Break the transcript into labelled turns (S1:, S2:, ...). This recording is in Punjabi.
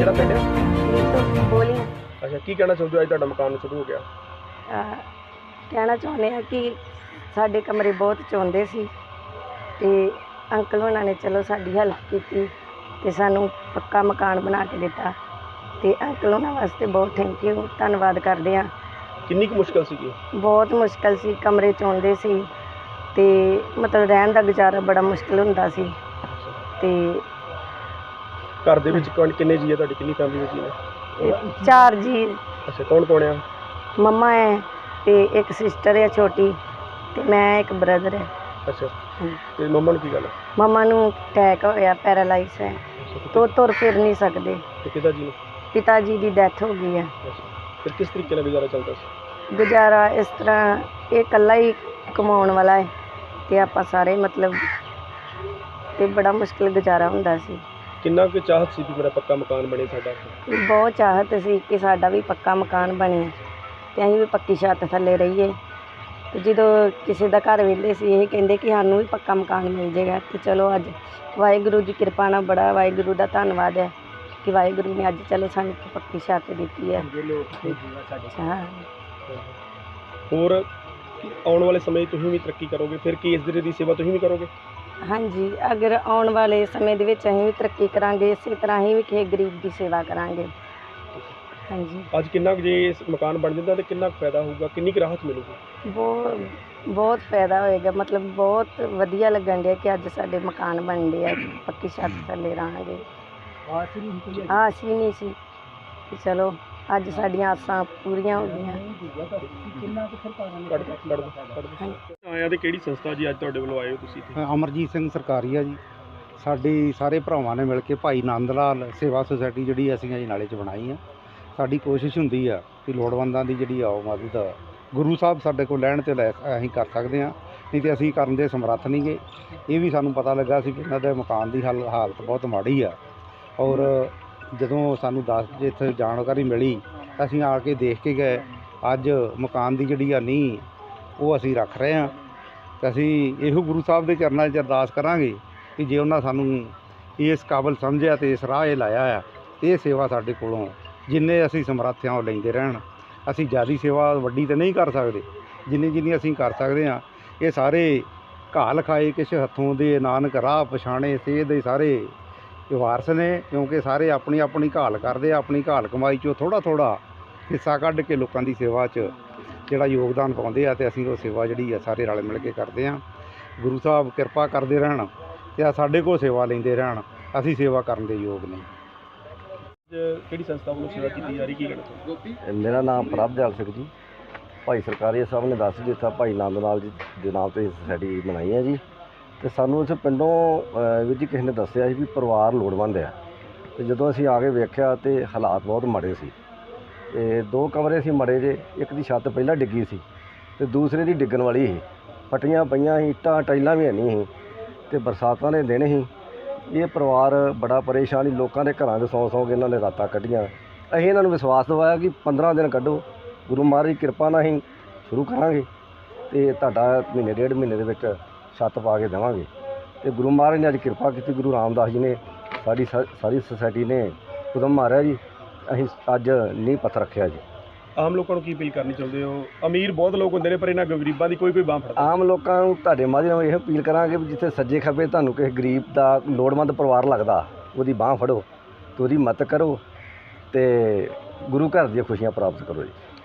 S1: ਕਿਹੜਾ ਪਿੰਡ ਹੈ?
S2: ਇਹ ਬੋਲੀ
S1: ਅੱਛਾ, ਕੀ ਕਹਿਣਾ ਚਾਹੁੰਦੇ ਹੋ ਅੱਜ ਤੁਹਾਡਾ ਮਕਾਨ ਸ਼ੁਰੂ ਹੋ ਗਿਆ?
S2: ਕਹਿਣਾ ਚਾਹੁੰਦੇ ਹਾਂ ਕਿ ਸਾਡੇ ਕਮਰੇ ਬਹੁਤ ਚਾਹੁੰਦੇ ਸੀ ਤੇ ਅੰਕਲ ਹੋਣਾ ਨੇ ਚਲੋ ਸਾਡੀ ਹੈਲਪ ਕੀਤੀ ਤੇ ਸਾਨੂੰ ਪੱਕਾ ਮਕਾਨ ਬਣਾ ਕੇ ਦਿੱਤਾ ਤੇ ਅੰਕਲ ਹੋਣਾ ਵਾਸਤੇ ਬਹੁਤ ਥੈਂਕ ਯੂ, ਧੰਨਵਾਦ ਕਰਦੇ ਹਾਂ।
S1: ਕਿੰਨੀ ਕੁ ਮੁਸ਼ਕਲ ਸੀਗੀ?
S2: ਬਹੁਤ ਮੁਸ਼ਕਲ ਸੀ, ਕਮਰੇ ਚਾਹੁੰਦੇ ਸੀ ਤੇ ਮਤਲਬ ਰਹਿਣ ਦਾ ਗੁਜ਼ਾਰਾ ਬੜਾ ਮੁਸ਼ਕਲ ਹੁੰਦਾ ਸੀ। ਤੇ
S1: ਘਰ ਦੇ ਵਿੱਚ ਕਿੰਨੇ ਜੀ ਹੈ ਤੁਹਾਡੀ, ਕਿੰਨੀ ਫੈਮਿਲੀ ਵਿੱਚ ਜੀ ਨੇ?
S2: 4 ਜੀ।
S1: ਅੱਛਾ, ਕੌਣ ਕੌਣ ਆ?
S2: ਮੰਮਾ ਹੈ ਤੇ ਇੱਕ ਸਿਸਟਰ ਹੈ ਛੋਟੀ ਤੇ ਮੈਂ, ਇੱਕ ਬ੍ਰਦਰ ਹੈ।
S1: ਅੱਛਾ, ਤੇ ਮੰਮਾ ਨੂੰ ਕੀ ਗੱਲ ਹੈ?
S2: ਮੰਮਾ ਨੂੰ ਅਟੈਕ ਹੋਇਆ, ਪੈਰਾਲਾਈਜ਼ ਹੈ, ਤੋ ਤੁਰ ਫਿਰ ਨਹੀਂ ਸਕਦੇ।
S1: ਤੇ ਪਿਤਾ ਜੀ ਨੂੰ?
S2: ਪਿਤਾ ਜੀ ਦੀ ਡੈਥ ਹੋ ਗਈ ਹੈ।
S1: ਅੱਛਾ, ਫਿਰ ਕਿਸ ਤਰੀਕੇ ਨਾਲ ਗੁਜ਼ਾਰਾ ਚੱਲਦਾ ਸੀ?
S2: ਗੁਜ਼ਾਰਾ ਇਸ ਤਰ੍ਹਾਂ, ਇਹ ਇਕੱਲਾ ਹੀ ਕਮਾਉਣ ਵਾਲਾ ਹੈ ਤੇ ਆਪਾਂ ਸਾਰੇ ਮਤਲਬ, ਤੇ ਬੜਾ ਮੁਸ਼ਕਿਲ ਗੁਜ਼ਾਰਾ ਹੁੰਦਾ ਸੀ।
S1: ਕਿੰਨਾ ਕੁ ਚਾਹਤ ਸੀ ਵੀ ਮੇਰਾ ਪੱਕਾ ਮਕਾਨ ਬਣੇ ਸਾਡਾ?
S2: ਬਹੁਤ ਚਾਹਤ ਸੀ ਕਿ ਸਾਡਾ ਵੀ ਪੱਕਾ ਮਕਾਨ ਬਣੇ ਤੇ ਅਸੀਂ ਵੀ ਪੱਕੀ ਛੱਤ ਥੱਲੇ ਰਹੀਏ। ਤੇ ਜਦੋਂ ਕਿਸੇ ਦਾ ਘਰ ਵਿਹਲੇ ਸੀ ਇਹ ਕਹਿੰਦੇ ਕਿ ਸਾਨੂੰ ਵੀ ਪੱਕਾ ਮਕਾਨ ਮਿਲ ਜਾਏਗਾ। ਤੇ ਚਲੋ ਅੱਜ ਵਾਹਿਗੁਰੂ ਦੀ ਕਿਰਪਾ ਨਾਲ, ਬੜਾ ਵਾਹਿਗੁਰੂ ਦਾ ਧੰਨਵਾਦ ਹੈ ਕਿ ਵਾਹਿਗੁਰੂ ਨੇ ਅੱਜ ਚਲੋ ਸਾਨੂੰ ਪੱਕੀ ਛੱਤ ਦਿੱਤੀ ਹੈ। ਹਾਂ,
S1: ਹੋਰ ਆਉਣ ਵਾਲੇ ਸਮੇਂ ਤੁਸੀਂ ਵੀ ਤਰੱਕੀ ਕਰੋਗੇ, ਫਿਰ ਕੀ ਇਸ ਦਿਨ ਦੀ ਸੇਵਾ ਤੁਸੀਂ ਵੀ ਕਰੋਗੇ?
S2: ਹਾਂਜੀ, ਅਗਰ ਆਉਣ ਵਾਲੇ ਸਮੇਂ ਦੇ ਵਿੱਚ ਅਸੀਂ ਵੀ ਤਰੱਕੀ ਕਰਾਂਗੇ, ਇਸੇ ਤਰ੍ਹਾਂ ਹੀ ਵੀ ਕਿਸੇ ਗਰੀਬ ਦੀ ਸੇਵਾ ਕਰਾਂਗੇ। ਹਾਂਜੀ,
S1: ਅੱਜ ਕਿੰਨਾ ਕੁ ਜੇ ਇਸ ਮਕਾਨ ਬਣ ਜਾਂਦਾ ਤੇ ਕਿੰਨਾ ਕੁ ਫਾਇਦਾ ਹੋਊਗਾ, ਕਿੰਨੀ ਕੁ ਰਾਹਤ ਮਿਲੂਗੀ?
S2: ਬਹੁਤ ਫਾਇਦਾ ਹੋਏਗਾ, ਮਤਲਬ ਬਹੁਤ ਵਧੀਆ ਲੱਗਣ ਡਿਆ ਕਿ ਅੱਜ ਸਾਡੇ ਮਕਾਨ ਬਣ ਡਿਆ, ਪੱਕੀ ਛੱਤ ਥੱਲੇ ਰਹਾਂਗੇ। ਆਸ ਹੀ ਨਹੀਂ ਸੀ ਕਿ ਚਲੋ ਅੱਜ ਸਾਡੀਆਂ ਆਸਾਂ ਪੂਰੀਆਂ ਹੋ ਗਈਆਂ।
S1: ਆਇਆ ਤੇ ਕਿਹੜੀ ਸੰਸਥਾ ਜੀ ਅੱਜ ਤੁਹਾਡੇ ਵੱਲੋਂ ਆਏ ਹੋ ਤੁਸੀਂ?
S3: ਅਮਰਜੀਤ ਸਿੰਘ ਸਰਕਾਰੀ ਆ ਜੀ। ਸਾਡੀ ਸਾਰੇ ਭਰਾਵਾਂ ਨੇ ਮਿਲ ਕੇ ਭਾਈ ਨੰਦ ਲਾਲ ਸੇਵਾ ਸੁਸਾਇਟੀ ਜਿਹੜੀ ਅਸੀਂ ਅਜਨਾਲੇ 'ਚ ਬਣਾਈ ਆ। ਸਾਡੀ ਕੋਸ਼ਿਸ਼ ਹੁੰਦੀ ਆ ਕਿ ਲੋੜਵੰਦਾਂ ਦੀ ਜਿਹੜੀ ਆਓ ਮਦਦ ਗੁਰੂ ਸਾਹਿਬ ਸਾਡੇ ਕੋਲ ਲੈਣ ਤੇ ਲੈ ਅਸੀਂ ਕਰ ਸਕਦੇ ਹਾਂ, ਨਹੀਂ ਤੇ ਅਸੀਂ ਕਰਨ ਦੇ ਸਮਰੱਥ ਨਹੀਂ ਗੇ। ਇਹ ਵੀ ਸਾਨੂੰ ਪਤਾ ਲੱਗਾ ਸੀ ਕਿ ਇਹਨਾਂ ਦੇ ਮਕਾਨ ਦੀ ਹਾਲਤ ਬਹੁਤ ਮਾੜੀ ਆ, ਔਰ ਜਦੋਂ ਸਾਨੂੰ ਇੱਥੇ ਜਾਣਕਾਰੀ ਮਿਲੀ ਅਸੀਂ ਆ ਕੇ ਦੇਖ ਕੇ ਗਏ। ਅੱਜ ਮਕਾਨ ਦੀ ਜਿਹੜੀ ਆ ਨੀਂਹ ਉਹ ਅਸੀਂ ਰੱਖ ਰਹੇ ਹਾਂ ਤੇ ਅਸੀਂ ਇਹੋ ਗੁਰੂ ਸਾਹਿਬ ਦੇ ਚਰਨਾਂ 'ਚ ਅਰਦਾਸ ਕਰਾਂਗੇ ਕਿ ਜੇ ਉਹਨਾਂ ਸਾਨੂੰ ਇਸ ਕਾਬਲ ਸਮਝਿਆ ਤੇ ਇਸ ਰਾਹ ਇਹ ਲਾਇਆ ਆ, ਇਹ ਸੇਵਾ ਸਾਡੇ ਕੋਲੋਂ ਜਿੰਨੇ ਅਸੀਂ ਸਮਰੱਥ ਹਾਂ ਉਹ ਲੈਂਦੇ ਰਹਿਣ। ਅਸੀਂ ਜ਼ਿਆਦਾ ਸੇਵਾ ਵੱਡੀ ਤਾਂ ਨਹੀਂ ਕਰ ਸਕਦੇ, ਜਿੰਨੀ ਅਸੀਂ ਕਰ ਸਕਦੇ ਹਾਂ। ਇਹ ਸਾਰੇ ਘਾਹ ਲਿਖਾਏ ਕਿਸ ਹੱਥੋਂ ਦੇ, ਨਾਨਕ ਰਾਹ ਪਛਾਣੇ ਸੇਧ ਦੇ ਸਾਰੇ ਵਾਰਸ ਨੇ, ਕਿਉਂਕਿ ਸਾਰੇ ਆਪਣੀ ਆਪਣੀ ਘਾਲ ਕਰਦੇ ਆ, ਆਪਣੀ ਘਾਲ ਕਮਾਈ 'ਚੋਂ ਥੋੜ੍ਹਾ ਥੋੜ੍ਹਾ ਹਿੱਸਾ ਕੱਢ ਕੇ ਲੋਕਾਂ ਦੀ ਸੇਵਾ 'ਚ ਜਿਹੜਾ ਯੋਗਦਾਨ ਪਾਉਂਦੇ ਆ ਤੇ ਅਸੀਂ ਉਹ ਸੇਵਾ ਜਿਹੜੀ ਆ ਸਾਰੇ ਰਲ ਮਿਲ ਕੇ ਕਰਦੇ ਹਾਂ। ਗੁਰੂ ਸਾਹਿਬ ਕਿਰਪਾ ਕਰਦੇ ਰਹਿਣ ਤੇ ਸਾਡੇ ਕੋਲ ਸੇਵਾ ਲੈਂਦੇ ਰਹਿਣ, ਅਸੀਂ ਸੇਵਾ ਕਰਨ ਦੇ ਯੋਗ ਨਹੀਂ।
S1: ਕਿਹੜੀ ਸੰਸਥਾ ਵੱਲੋਂ ਸੇਵਾ ਕੀਤੀ ਜਾ ਰਹੀ, ਕੀ ਕਹਿਣਾ?
S4: ਮੇਰਾ ਨਾਮ ਪ੍ਰਭਜਲ ਸਿੰਘ ਜੀ। ਭਾਈ ਸਰਕਾਰੀ ਸਾਹਿਬ ਨੇ ਦੱਸ ਦਿੱਤਾ, ਭਾਈ ਨੰਦ ਲਾਲ ਜੀ ਦੇ ਨਾਮ 'ਤੇ ਸੁਸਾਇਟੀ ਬਣਾਈ ਹੈ ਜੀ। ਅਤੇ ਸਾਨੂੰ ਇਸ ਪਿੰਡੋਂ ਵੀਰ ਜੀ ਕਿਸੇ ਨੇ ਦੱਸਿਆ ਸੀ ਵੀ ਪਰਿਵਾਰ ਲੋੜਵੰਦ ਆ, ਅਤੇ ਜਦੋਂ ਅਸੀਂ ਆ ਕੇ ਵੇਖਿਆ ਤਾਂ ਹਾਲਾਤ ਬਹੁਤ ਮਾੜੇ ਸੀ। ਅਤੇ 2 ਕਮਰੇ ਸੀ ਮਾੜੇ ਜੇ, ਇੱਕ ਦੀ ਛੱਤ ਪਹਿਲਾਂ ਡਿੱਗੀ ਸੀ ਅਤੇ ਦੂਸਰੇ ਦੀ ਡਿੱਗਣ ਵਾਲੀ ਸੀ, ਫਟੀਆਂ ਪਈਆਂ ਸੀ, ਇੱਟਾਂ ਟਾਈਲਾਂ ਵੀ ਹੈ ਨਹੀਂ ਸੀ ਅਤੇ ਬਰਸਾਤਾਂ ਦੇ ਦਿਨ ਸੀ। ਇਹ ਪਰਿਵਾਰ ਬੜਾ ਪਰੇਸ਼ਾਨ ਸੀ, ਲੋਕਾਂ ਦੇ ਘਰਾਂ ਦੇ ਸੌਂ ਕੇ ਇਹਨਾਂ ਨੇ ਰਾਤਾਂ ਕੱਢੀਆਂ। ਅਸੀਂ ਇਹਨਾਂ ਨੂੰ ਵਿਸ਼ਵਾਸ ਦਿਵਾਇਆ ਕਿ 15 ਦਿਨ ਕੱਢੋ, ਗੁਰੂ ਮਹਾਰਾਜ ਦੀ ਕਿਰਪਾ ਨਾਲ ਅਸੀਂ ਸ਼ੁਰੂ ਕਰਾਂਗੇ ਅਤੇ ਤੁਹਾਡਾ ਮਹੀਨੇ 1.5 ਮਹੀਨੇ ਦੇ ਵਿੱਚ ਛੱਤ ਪਾ ਕੇ ਦੇਵਾਂਗੇ। ਅਤੇ ਗੁਰੂ ਮਹਾਰਾਜ ਨੇ ਅੱਜ ਕਿਰਪਾ ਕੀਤੀ, ਗੁਰੂ ਰਾਮਦਾਸ ਜੀ ਨੇ ਸਾਰੀ ਸੁਸਾਇਟੀ ਨੇ ਉਦਮ ਮਾਰਿਆ ਜੀ, ਅਸੀਂ ਅੱਜ ਨੀਂਹ ਪੱਥਰ ਰੱਖਿਆ ਜੀ।
S1: ਆਮ ਲੋਕਾਂ ਨੂੰ ਕੀ ਅਪੀਲ ਕਰਨੀ ਚਾਹੁੰਦੇ ਹੋ? ਅਮੀਰ ਬਹੁਤ ਲੋਕ ਹੁੰਦੇ ਨੇ ਪਰ ਇਹਨਾਂ ਗਰੀਬਾਂ ਦੀ ਕੋਈ ਬਾਂਹ ਫੜਦਾ।
S4: ਆਮ ਲੋਕਾਂ ਨੂੰ ਤੁਹਾਡੇ ਮਾਧਿਅਮ ਨਾਲ ਇਹ ਅਪੀਲ ਕਰਾਂਗੇ ਵੀ ਜਿੱਥੇ ਸੱਜੇ ਖੱਬੇ ਤੁਹਾਨੂੰ ਕਿਸੇ ਗਰੀਬ ਦਾ ਲੋੜਵੰਦ ਪਰਿਵਾਰ ਲੱਗਦਾ, ਉਹਦੀ ਬਾਂਹ ਫੜੋ ਅਤੇ ਉਹਦੀ ਮਦਦ ਕਰੋ ਅਤੇ ਗੁਰੂ ਘਰ ਦੀਆਂ ਖੁਸ਼ੀਆਂ ਪ੍ਰਾਪਤ ਕਰੋ ਜੀ।